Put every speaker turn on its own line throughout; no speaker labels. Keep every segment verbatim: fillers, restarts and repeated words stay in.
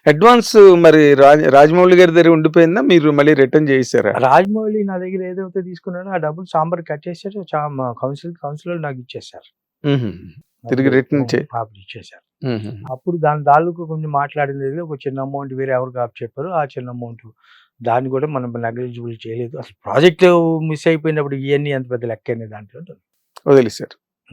Advance మరి రాజ్ రాజమౌళి గారి దగ్గర ఉండిపోయిందా? మీరు మళ్ళీ రిటర్న్ చేసారా?
రాజమౌళి నా దగ్గర ఏదైతే తీసుకున్నాడో ఆ డబ్బులు సాంబార్ కట్ చేశారు. చా మా కౌన్సిల్ కౌన్సిలర్ నాకు ఇచ్చేసారు.
తిరిగి రిటర్న్ చే
అప్పుడు ఇచ్చేసారు. అప్పుడు దాని తాలూకు కొంచెం మాట్లాడింది ఒక చిన్న అమౌంట్ వేరే ఎవరికి ఆప్ చెప్పారు. ఆ చిన్న అమౌంట్ దాన్ని కూడా మనం నెగ్లిజిబుల్ చేయలేదు. అసలు ప్రాజెక్ట్ మిస్ అయిపోయినప్పుడు ఇవన్నీ ఎంత పెద్ద లెక్క అనే దాంట్లో
వదిలేశారు.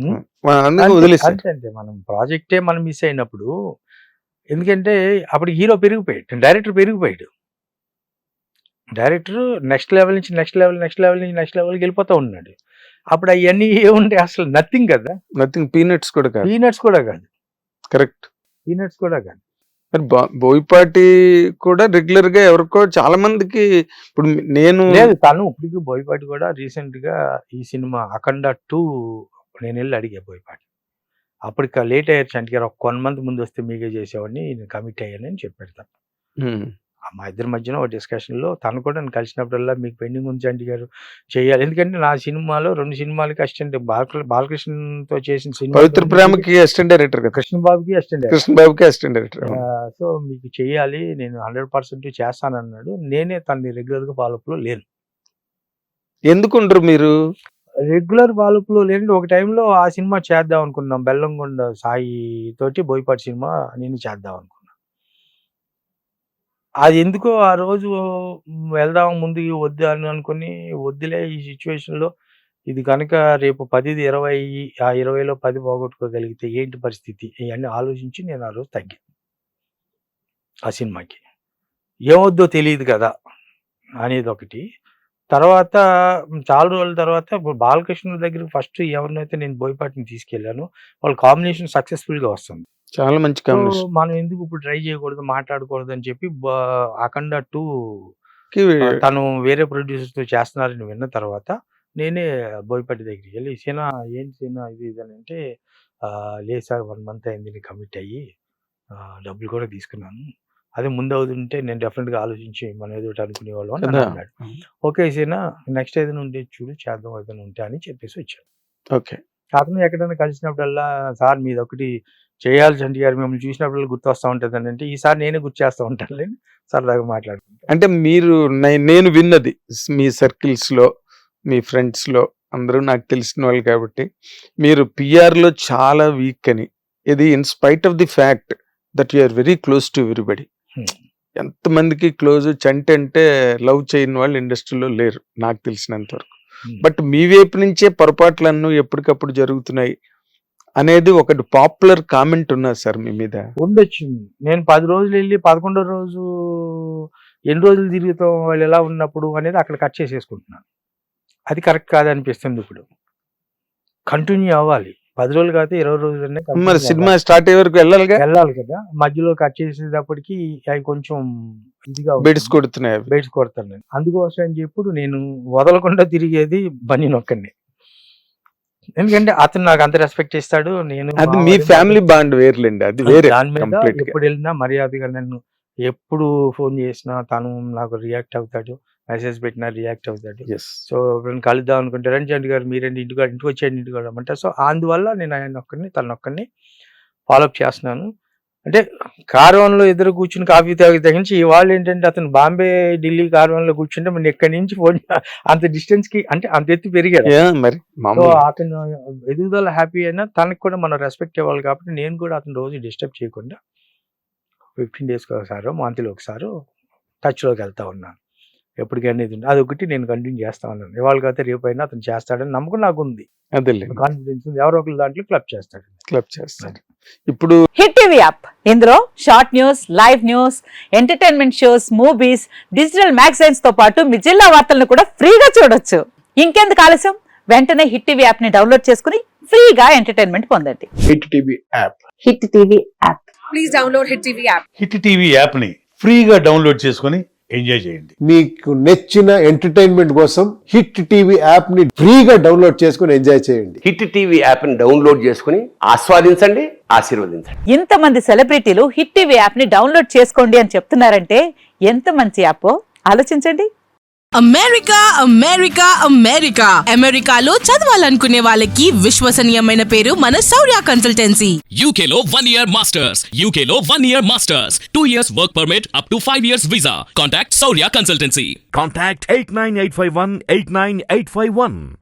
అంటే మనం ప్రాజెక్టే మనం మిస్ అయినప్పుడు, ఎందుకంటే అప్పుడు హీరో పెరిగిపోయాడు, డైరెక్టర్ పెరిగిపోయాడు. డైరెక్టర్ నెక్స్ట్ లెవెల్ నుంచి నెక్స్ట్ లెవెల్ నెక్స్ట్ లెవెల్ నుంచి నెక్స్ట్ లెవెల్కి వెళ్ళిపోతూ ఉన్నాడు. అప్పుడు అవన్నీ ఏముంటాయి? అసలు నథింగ్ కదా.
నథింగ్. పీనట్స్ కూడా కాదు.
పీనట్స్ కూడా కాదు.
కరెక్ట్.
పీనట్స్ కూడా కాదు.
మరి బోయపాటి కూడా రెగ్యులర్ గా ఎవరికో చాలా మందికి ఇప్పుడు నేను
లేదు, తను ఇప్పటికి బోయపాటి కూడా రీసెంట్ గా ఈ సినిమా అఖండ టూ నేను వెళ్ళి అడిగా బోయపాటి. అప్పటికి లేట్ అయ్యారు చంటి గారు, ఒక వన్ మంత్ ముందు వస్తే మీకే చేసేవాడిని, నేను కమిట్ అయ్యానని చెప్పాడు తను. మా ఇద్దరి మధ్యన ఒక డిస్కషన్ లో తను కూడా నేను కలిసినప్పుడల్లా మీకు పెండింగ్ ఉంది చంటి గారు చేయాలి, ఎందుకంటే నా సినిమాలో రెండు సినిమాలకి అసిస్టెంట్ బాలకృష్ణతో చేసిన సినిమా
పవిత్ర ప్రేమకి అసిస్టెంట్ డైరెక్టర్,
కృష్ణబాబుకి అసిస్టెంట్
కృష్ణబాబుకి అసిస్టెంట్ డైరెక్టర్.
సో మీకు చేయాలి, నేను హండ్రెడ్ పర్సెంట్ చేస్తానన్నాడు. నేనే తనని రెగ్యులర్ గా ఫాలోఅప్ లో లేను.
ఎందుకుంటారు మీరు
రెగ్యులర్ ఫాలోఅప్ లో లేని? ఒక టైంలో ఆ సినిమా చేద్దాం అనుకున్నాం, బెల్లంకొండ సాయి తోటి బోయపాటి సినిమా నేను చేద్దాం అనుకున్నా. అది ఎందుకో ఆ రోజు వెళ్దాం ముందు వద్దు అని అనుకుని, వద్దులే ఈ సిచ్యువేషన్ లో, ఇది కనుక రేపు పదిది ఇరవై, ఆ ఇరవైలో పది పోగొట్టుకోగలిగితే ఏంటి పరిస్థితి, ఇవన్నీ ఆలోచించి నేను ఆ రోజు తగ్గాను ఆ సినిమాకి. ఏమొద్దో తెలియదు కదా అనేది ఒకటి. తర్వాత చాలా రోజుల తర్వాత బాలకృష్ణ దగ్గర ఫస్ట్ ఎవరినైతే నేను బోయపాటిని తీసుకెళ్లాను, వాళ్ళ కాంబినేషన్ సక్సెస్ఫుల్ గా వస్తుంది.
చాలా మంచి కాంబినేషన్.
మనం ఎందుకు ఇప్పుడు ట్రై చేయకూడదు, మాట్లాడకూడదు అని చెప్పి అఖండ టూ తను వేరే ప్రొడ్యూసర్ తో చేస్తున్నారని విన్న తర్వాత నేనే బోయపాటి దగ్గరికి వెళ్ళి, సీనా ఏంటి సీనా ఇది ఇది అని అంటే, లేదు సార్ వన్ మంత్ అయింది కమిట్ అయ్యి, డబ్బులు కూడా తీసుకున్నాను, అదే ముందు అవుతుంటే నేను డెఫినెట్ గా ఆలోచించి మనం ఏదో అనుకునేవాళ్ళం అని అన్నాడు. ఓకే సీనా, నెక్స్ట్ ఏదైనా ఉంటే చూడు, చేద్దాం ఏదైనా ఉంటే అని చెప్పేసి వచ్చాను.
ఓకే.
అతను ఎక్కడైనా కలిసినప్పుడల్లా, సార్ మీది ఒకటి చేయాలి చంటి గారు, మిమ్మల్ని చూసినప్పుడు గుర్తు వస్తూ ఉంటుంది అని అంటే, ఈసారి నేనే గుర్తు చేస్తూ ఉంటాను లేని సరదాగా మాట్లాడుకుంటాను.
అంటే మీరు నేను విన్నది మీ సర్కిల్స్ లో, మీ ఫ్రెండ్స్ లో అందరూ నాకు తెలిసిన వాళ్ళు కాబట్టి, మీరు పిఆర్ లో చాలా వీక్ అని, ఇది in spite of the fact that you are very close to everybody. ఎంతమందికి క్లోజ్, చంటి అంటే లవ్ చేయని వాళ్ళు ఇండస్ట్రీలో లేరు నాకు తెలిసినంత వరకు. బట్ మీ వైపు నుంచే పొరపాట్లన్నీ ఎప్పటికప్పుడు జరుగుతున్నాయి అనేది ఒకటి పాపులర్ కామెంట్ ఉన్నది సార్ మీ మీద.
ఉండొచ్చు. నేను పది రోజులు వెళ్ళి పదకొండో రోజు ఎన్ని రోజులు తిరుగుతాం వాళ్ళు ఎలా ఉన్నప్పుడు అనేది అక్కడ కట్ చేసేసుకుంటున్నాను. అది కరెక్ట్ కాదనిపిస్తుంది. ఇప్పుడు కంటిన్యూ అవ్వాలి, పది రోజులు కాదు ఇరవై రోజులు.
మరి సినిమా స్టార్ట్ అయ్యే వరకు వెళ్ళాలి
వెళ్ళాలి కదా. మధ్యలో కట్ చేసేటప్పటికి అవి కొంచెం ఇదిగా
బెడ్స్ కొడుతున్నాయి,
బెడ్స్ కొడతాను. అందుకోసం అని చెప్పి నేను వదలకుండా తిరిగేది బన్నీ నొక్కండి, ఎందుకంటే అతను నాకు అంత రెస్పెక్ట్ ఇస్తాడు. నేను
అది మీ ఫ్యామిలీ బాండ్ వేర్లేండి, అది వేరే.
దాని మీద ఎప్పుడు వెళ్ళినా మర్యాదగా నన్ను ఎప్పుడు ఫోన్ చేసినా తను నాకు రియాక్ట్ అవుతాడు, మెసేజ్ పెట్టినా రియాక్ట్ అవుతాడు. సో ఇప్పుడు కలుద్దాం అనుకుంటే రండి చంటి గారు మీరేంటి ఇంటికి ఇంటికి వచ్చేయండి ఇంటికి అంటే, సో అందువల్ల నేను ఆయన ఒక్కడిని తన ఒక్కడిని ఫాలోఅప్ చేస్తున్నాను. అంటే కార్వాన్లో ఎదురు కూర్చుని కాఫీ తాగి తగ్గించి, ఇవాళ ఏంటంటే అతను బాంబే ఢిల్లీ కార్వాన్లో కూర్చుంటే మన ఎక్కడి నుంచి ఫోన్ అంత డిస్టెన్స్ కి, అంటే అంత ఎత్తి పెరిగాడు మరి. సో అతను ఎదుగుదల హ్యాపీ అయినా తనకు కూడా మనం రెస్పెక్ట్ ఇవ్వాలి కాబట్టి నేను కూడా అతను రోజు డిస్టర్బ్ చేయకుండా ఫిఫ్టీన్ డేస్కి ఒకసారి మంత్లీ ఒకసారి టచ్లోకి వెళ్తా ఉన్నాను. ఎప్పటికైనా ఇది అది ఒకటి నేను కంటిన్యూ చేస్తా ఉన్నాను. ఇవాళ కాకపోతే రేపు అయినా అతను చేస్తాడని నమ్మకం నాకు ఉంది,
అదే
కాన్ఫిడెన్స్ ఉంది. ఎవరో ఒకరు దాంట్లో క్లబ్ చేస్తాడు
క్లబ్ చేస్తాడు. ఇప్పుడు
హిట్ టీవీ యాప్, ఇందులో short news, live news, entertainment shows, movies, digital magazines తో పాటు మీ జిల్లా వార్తలను కూడా ఫ్రీగా చూడొచ్చు. ఇంకెందుకు ఆలస్యం, వెంటనే హిట్ టీవీ యాప్ ని డౌన్లోడ్ చేసుకుని ఫ్రీగా ఎంటర్టైన్మెంట్ పొందండి.
Hit TV app,
Hit TV app,
please download Hit TV app.
Hit TV app ని ఫ్రీగా డౌన్లోడ్ చేసుకుని ఎంజాయ్ చేయండి.
మీకు నచ్చిన ఎంటర్టైన్మెంట్ కోసం హిట్ టీవీ యాప్ ని ఫ్రీగా డౌన్లోడ్ చేసుకుని ఎంజాయ్ చేయండి.
హిట్ టీవీ యాప్ ని డౌన్లోడ్ చేసుకుని ఆస్వాదించండి, ఆశీర్వదించండి.
ఇంతమంది సెలబ్రిటీలు హిట్ టీవీ యాప్ ని డౌన్లోడ్ చేసుకోండి అని చెప్తున్నారంటే ఎంత మంచి యాప్ ఆలోచించండి.
అమెరికా అమెరికా అమెరికా అమెరికాలో చదవాలనుకునే వాళ్ళకి విశ్వసనీయమైన పేరు మన శౌర్య కన్సల్టెన్సీ.
U K లో one year masters, U K లో one year masters, two years work permit up to five years visa. Contact Saurya Consultancy.
Contact eight nine eight five one eight nine eight five one.